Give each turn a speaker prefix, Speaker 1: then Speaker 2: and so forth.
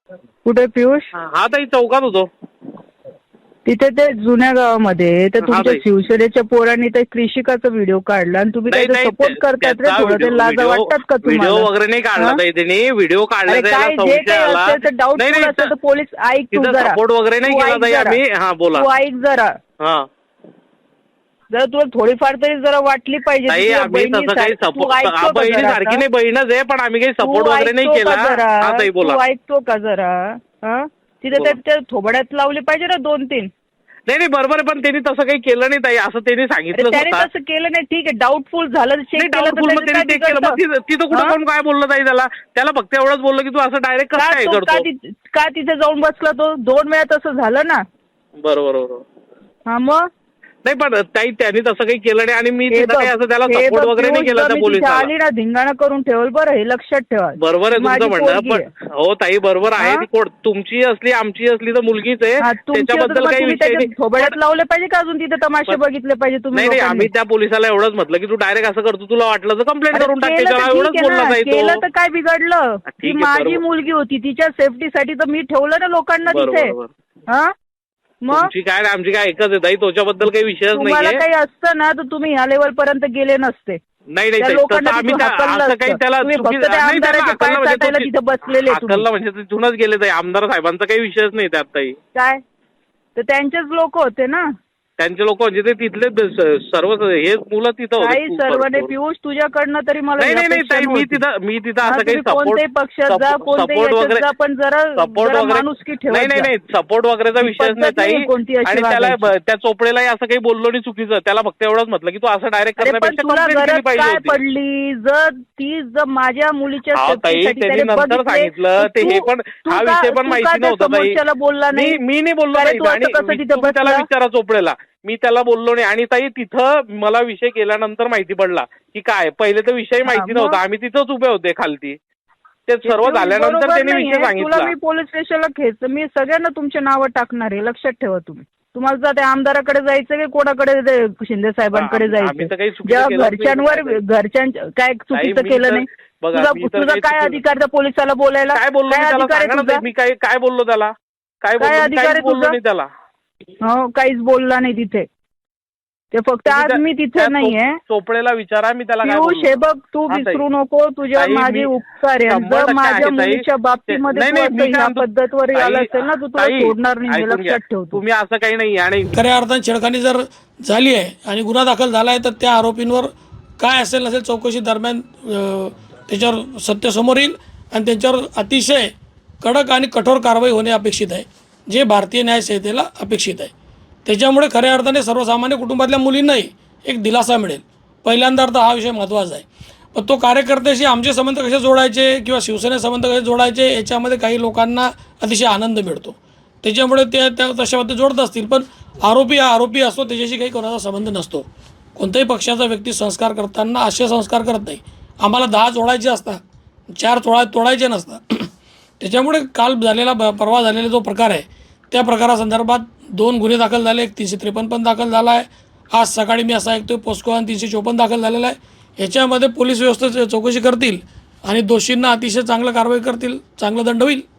Speaker 1: कुठे पियुष?
Speaker 2: हा ताई चौकात होतो.
Speaker 1: तिथे ते जुन्या गावामध्ये तर तुमच्या
Speaker 2: ताई.
Speaker 1: शिवसेनेच्या पोरांनी ते कृषिकाचा व्हिडिओ काढला आणि तुम्ही त्याचा सपोर्ट करतात रे. थोडं ते लाज वाटतात का तुम्हाला?
Speaker 2: व्हिडिओ वगैरे नाही काढला ताई त्यांनी. व्हिडिओ काढला
Speaker 1: अरे काय जे काही असेल तर डाऊटफुल असेल तर पोलीस ऐक तू जरा.
Speaker 2: सपोर्ट वगैरे नाही केला ताई आम्ही. हा बोला.
Speaker 1: तू ऐक जरा.
Speaker 2: हा
Speaker 1: जरा तुला थोडीफार तरी जरा वाटली पाहिजे.
Speaker 2: ताई आम्ही तसं काही सपोर्ट बहिणी सारखी नाही, बहीणच आहे, पण आम्ही काही सपोर्ट वगैरे नाही केला. हा ताई बोला.
Speaker 1: तू ऐकतो का जरा? हा तिथे त्या थोबड्यात लावली पाहिजे ना 2-3.
Speaker 2: नाही बरोबर, पण त्यांनी तसं काही केलं नाही ताई, असं त्यांनी सांगितलं.
Speaker 1: त्याने तसं केलं नाही, ठीक आहे. डाऊटफुल झालं, चेक केलं.
Speaker 2: तिथं कुठं कोण काय बोललं ताई त्याला फक्त एवढंच बोललं की तू असं डायरेक्ट कसं काय करतो.
Speaker 1: का तिथे जाऊन बसला तो? 2 वेळा तसं झालं ना.
Speaker 2: बरोबर.
Speaker 1: हा मग
Speaker 2: नाही पण ताई त्यांनी तसं काही केलं नाही आणि मी तिथं काही असं त्याला सपोर्ट वगैरे नाही केला त्या पोलिसाला.
Speaker 1: आली ना धिंगाणा करून ठेवल बरं, हे लक्षात ठेवा.
Speaker 2: बरोबर आहे तुमचं म्हणणं, पण हो ताई बरोबर आहे. ती कोण तुमची असली आमची असली तर मुलगीच आहे, त्याच्याबद्दल काही विषय नाही.
Speaker 1: थोबड्यात लावले पाहिजे का अजून तिथे तमाशे बघितले पाहिजे तुम्ही?
Speaker 2: नाही आम्ही त्या पोलिसाला एवढंच म्हटलं की तू डायरेक्ट असं करतो, तुला वाटलं तर कंप्लेंट करून टाक. एवढंच बोलला ताई तो.
Speaker 1: केलं तर काय बिघडलं? ती माझी मुलगी होती, तिच्या सेफ्टीसाठी तर मी ठेवलं ना लोकांना तिथे. हा मग
Speaker 2: तुमची काय आमची काय एकच आहे ताई, त्याच्याबद्दल काही विषयच नाही.
Speaker 1: तुम्हाला काही असतं ना तर तुम्ही ह्या लेवल पर्यंत गेले नसते.
Speaker 2: नाही आम्ही असं काही त्याला
Speaker 1: तिथे बसलेले
Speaker 2: म्हणजे तिथूनच गेले ताई. आमदार साहेबांचा काही विषयच नाही त्यात ताई.
Speaker 1: काय तर त्यांचेच लोक होते ना.
Speaker 2: त्यांचे लोक म्हणजे ते तिथले सर्व हे मुलं तिथं होते.
Speaker 1: सर्व नाही पियुष, तुझ्याकडनं तरी मला
Speaker 2: नाही ताई, मी तिथं असं काही
Speaker 1: कोणत्याही पक्षात जा, कोणत्याही वगैरे पण जरा माणुसकी ठेवा.
Speaker 2: नाही सपोर्ट वगैरेचा विषयच नाही ताई. आणि त्याला त्या चोपडेलाही असं काही बोललो नाही चुकीचं. त्याला फक्त एवढंच म्हटलं की तू असं डायरेक्ट
Speaker 1: काय पडली जर माझ्या मुलीच्या
Speaker 2: त्यांनी नंतर सांगितलं ते हे, पण हा विषय पण माहिती नव्हता ताई.
Speaker 1: बोलला नाही,
Speaker 2: मी नाही बोललो ताई. आणि त्याला विचारा चोपडेला, मी त्याला बोललो नाही. आणि ताई तिथं मला विषय केल्यानंतर माहिती पडला की काय, पहिले तर विषय माहिती नव्हता. आम्ही तिथंच उभे होते खालती. ते सर्व झाल्यानंतर त्यांनी विषय सांगितला.
Speaker 1: मी पोलीस स्टेशनला खेच, मी सगळ्यांना तुमचे नावं टाकणार आहे, लक्षात ठेवा तुम्ही. तुम्हाला जर त्या आमदाराकडे जायचं की कोणाकडे, शिंदे साहेबांकडे जायचं, जेव्हा घरच्यांच्या काय चुकीचं केलं नाही. तुझा काय अधिकार त्या पोलिसाला बोलायला?
Speaker 2: काय बोललो मी काय बोललो त्याला? काय अधिकार बोललो नाही त्याला?
Speaker 1: हो काहीच बोलला नाही तिथे. ते फक्त आज मी तिथे नाहीये.
Speaker 2: चोपडेला विचारा, मी त्याला
Speaker 1: पियुष हे बघ, तू विसरू नको, तुझ्या माझे उपकार आहे. जर माझ्या मुलीच्या बाबतीमध्ये ह्या पद्धतवर आला असेल ना, तू तुला सोडणार नाही, लक्षात ठेव.
Speaker 2: तुम्ही असं काही नाही. आणि
Speaker 3: खऱ्या अर्थाने छेडखानी जर झाली आहे आणि गुन्हा दाखल झाला आहे तर त्या आरोपींवर काय असेल नसेल चौकशी दरम्यान त्याच्यावर सत्य समोर येईल आणि त्यांच्यावर अतिशय कडक आणि कठोर कारवाई होणे अपेक्षित आहे, जे भारतीय न्यायसंहितेला अपेक्षित आहे. त्याच्यामुळे खऱ्या अर्थाने सर्वसामान्य कुटुंबातल्या मुलींनाही एक दिलासा मिळेल. पहिल्यांदा अर्थ हा विषय महत्त्वाचा आहे. पण तो कार्यकर्त्याशी आमचे संबंध कसे जोडायचे किंवा शिवसेने संबंध कसे जोडायचे याच्यामध्ये काही लोकांना अतिशय आनंद मिळतो. त्याच्यामुळे ते त्या तशा पद्धतीने जोडत असतील. पण आरोपी हा आरोपी असतो, त्याच्याशी काही कोणाचा संबंध नसतो. कोणत्याही पक्षाचा व्यक्ती संस्कार करताना असे संस्कार करत नाही. आम्हाला 10 जोडायचे असतात, 4 तोडायचे नसतात. त्याच्यामुळे काल झालेला परवा झालेला जो प्रकार आहे त्या प्रकारासंदर्भात 2 गुन्हे दाखल झाले, 353 पण दाखल झाला आहे. आज सकाळी मी असं ऐकतोय पोस्को आणि 354 दाखल झालेला आहे. याच्यामध्ये पोलीस व्यवस्था चौकशी करतील आणि दोषींना अतिशय चांगलं कारवाई करतील, चांगला दंड होईल.